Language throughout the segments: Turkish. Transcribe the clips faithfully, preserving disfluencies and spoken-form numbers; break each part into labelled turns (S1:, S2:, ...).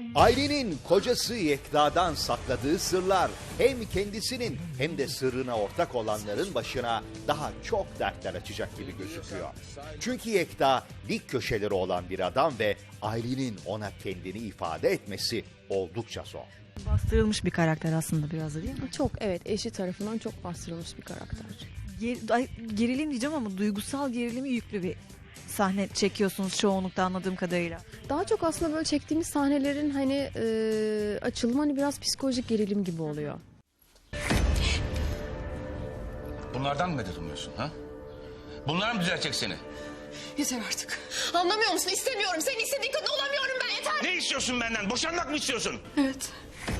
S1: Aylin'in kocası Yekta'dan sakladığı sırlar hem kendisinin hem de sırrına ortak olanların başına daha çok dertler açacak gibi gözüküyor. Çünkü Yekta dik köşeleri olan bir adam ve Aylin'in ona kendini ifade etmesi oldukça zor.
S2: Bastırılmış bir karakter aslında biraz da, değil mi?
S3: Çok, evet, eşi tarafından çok bastırılmış bir karakter.
S2: Ger- ay, gerilim diyeceğim ama duygusal gerilimi yüklü bir sahne çekiyorsunuz çoğunlukta anladığım kadarıyla.
S3: Daha çok aslında böyle çektiğimiz sahnelerin hani e, açılımı hani biraz psikolojik gerilim gibi oluyor.
S4: Bunlardan mı medet umuyorsun ha? Bunlar mı düzeltecek seni?
S5: Yeter artık. Anlamıyor musun? İstemiyorum. Senin istediğin kadın olamıyorum ben, yeter.
S4: Ne istiyorsun benden? Boşanmak mı istiyorsun?
S5: Evet.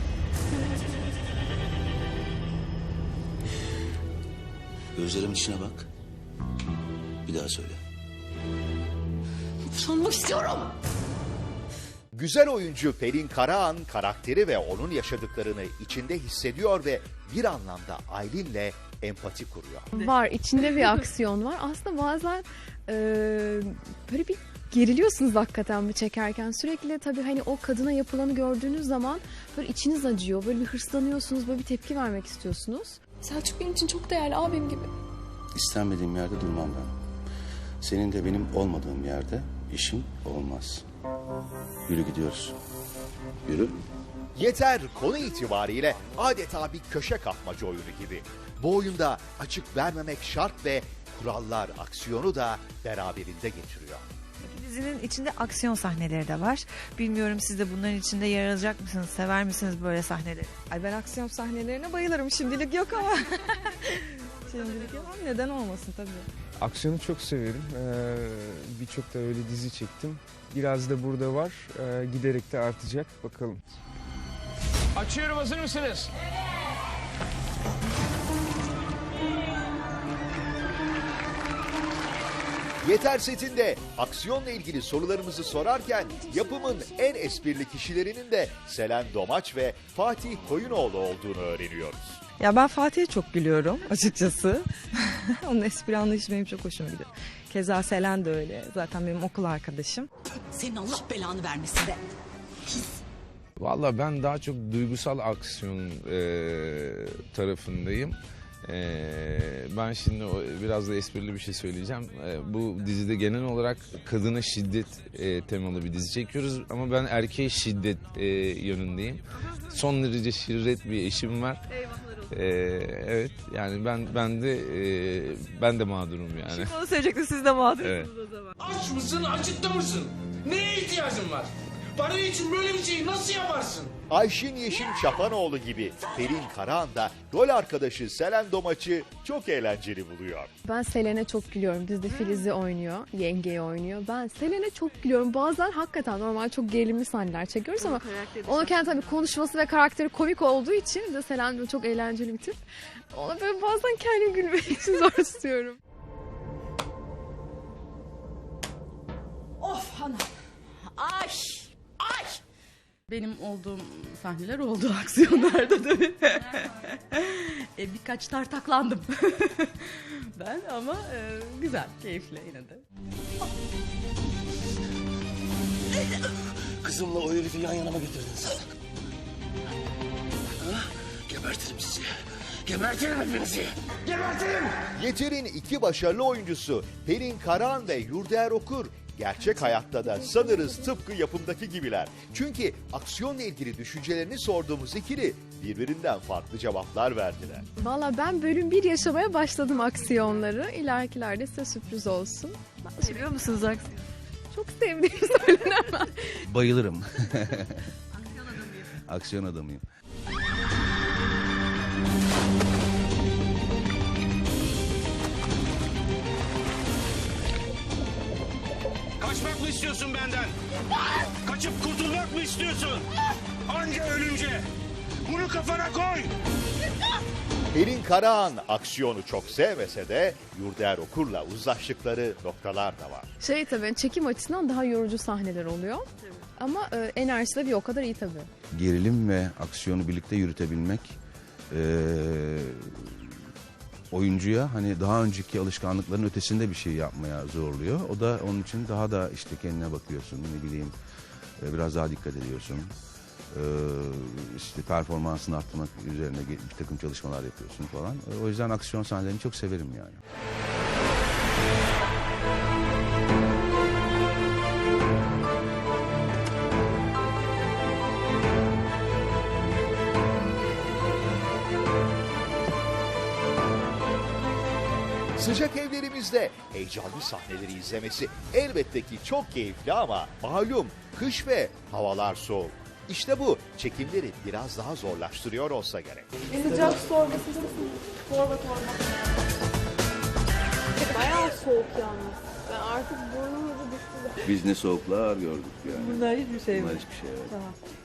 S6: Gözlerimin içine bak. Bir daha söyle.
S5: Boşanmak istiyorum.
S1: Güzel oyuncu Pelin Karahan karakteri ve onun yaşadıklarını içinde hissediyor ve bir anlamda Aylin'le empati kuruyor.
S3: Var, içinde bir aksiyon var. Aslında bazen e, böyle bir geriliyorsunuz hakikaten bu çekerken. Sürekli tabii hani o kadına yapılanı gördüğünüz zaman böyle içiniz acıyor. Böyle bir hırslanıyorsunuz, böyle bir tepki vermek istiyorsunuz.
S5: Selçuk benim için çok değerli, abim gibi.
S6: İstenmediğim yerde durmam ben. Senin de benim olmadığım yerde işim olmaz. Yürü gidiyoruz. Yürü.
S1: Yeter konu itibariyle adeta bir köşe kapmaca oyunu gibi. Bu oyunda açık vermemek şart ve kurallar aksiyonu da beraberinde getiriyor.
S2: Dizinin içinde aksiyon sahneleri de var. Bilmiyorum siz de bunların içinde yer alacak mısınız? Sever misiniz böyle sahneleri?
S7: Ay ben aksiyon sahnelerine bayılırım. Şimdilik yok ama. Şimdilik yok ama neden olmasın tabii.
S8: Aksiyonu çok severim. Ee, Birçok da öyle dizi çektim. Biraz da burada var. Ee, giderek de artacak. Bakalım.
S4: Açıyorum, hazır mısınız?
S1: Yeter setinde aksiyonla ilgili sorularımızı sorarken yapımın en esprili kişilerinin de Selen Domaç ve Fatih Koyunoğlu olduğunu öğreniyoruz.
S7: Ya ben Fatih'e çok gülüyorum açıkçası. Onun espri anlayışı benim çok hoşuma gidiyor. Keza Selen de öyle. Zaten benim okul arkadaşım.
S5: Senin Allah belanı vermesin be.
S9: Valla ben daha çok duygusal aksiyon e, tarafındayım. E, ben şimdi o, biraz da esprili bir şey söyleyeceğim. E, bu dizide genel olarak kadına şiddet e, temalı bir dizi çekiyoruz. Ama ben erkeğe şiddet e, yönündeyim. Son derece şirret bir eşim var. E, evet yani ben ben de e, ben de mağdurum yani.
S2: Şimdi onu söyleyecektim, siz de mağdursunuz
S9: Evet.
S2: o zaman.
S10: Aç mısın, acıkta mısın? Neye ihtiyacın var? Para için böyle bir şeyi nasıl yaparsın?
S1: Ayşin Yeşim Çapanoğlu gibi Pelin Karahan da rol arkadaşı Selen Domaç'ı çok eğlenceli buluyor.
S3: Ben Selen'e çok gülüyorum. Dizide Filiz'i oynuyor, yengeyi oynuyor. Ben Selen'e çok gülüyorum. Bazen hakikaten normal çok gerilimli sahneler çekiyoruz ama onun kendi tabii konuşması ve karakteri komik olduğu için bir de Selen de çok eğlenceli bir tip. Ona böyle bazen kendim gülmek için zor tutuyorum.
S5: Of hanım. Ay. Ay.
S11: Benim olduğum sahneler oldu aksiyonlarda tabii. e, birkaç tartaklandım. ben ama e, güzel, keyifli yine de.
S6: Kızımla o herifi yan yana mı getirdin sen? Ha? Gebertirim sizi. Gebertirim hepinizi. Gebertirim.
S1: Yeter'in iki başarılı oyuncusu Pelin Karahan ve Yurdaer Okur gerçek hayatta da sanırız tıpkı yapımdaki gibiler. Çünkü aksiyonla ilgili düşüncelerini sorduğumuz ikili birbirinden farklı cevaplar verdiler.
S3: Valla ben bölüm bir yaşamaya başladım aksiyonları. İlerikilerde size sürpriz olsun.
S2: Seviyor musunuz aksiyon?
S3: Çok sevdiğim söylenemez.
S6: Bayılırım. Aksiyon adamıyım.
S4: Kaçmak mı istiyorsun benden? Kaçıp kurtulmak mı istiyorsun? Anca ölünce. Bunu kafana koy.
S1: Pelin Karahan aksiyonu çok sevmese de Yurdaer Okur'la uzlaştıkları noktalar da var.
S3: Şey tabii çekim açısından daha yorucu sahneler oluyor. Ama e, enerjisi de bir o kadar iyi tabii.
S6: Gerilim ve aksiyonu birlikte yürütebilmek e, oyuncuya hani daha önceki alışkanlıkların ötesinde bir şey yapmaya zorluyor. O da onun için daha da işte kendine bakıyorsun, ne bileyim e, biraz daha dikkat ediyorsun. Ee, işte performansını arttırmak üzerine bir takım çalışmalar yapıyorsun falan. O yüzden aksiyon sahnelerini çok severim yani.
S1: Sıcak evlerimizde heyecanlı sahneleri izlemesi elbette ki çok keyifli ama malum kış ve havalar soğuk. İşte bu çekimleri biraz daha zorlaştırıyor olsa gerek.
S3: Sıcak sorba sıcak sorba torba. Bayağı soğuk yalnız. Ben artık burnum hızı düştü.
S6: Biz ne soğuklar gördük yani.
S7: Bunlar hiçbir şey
S6: Bunlar
S7: mi?
S6: hiçbir şey yok.
S7: Tamam.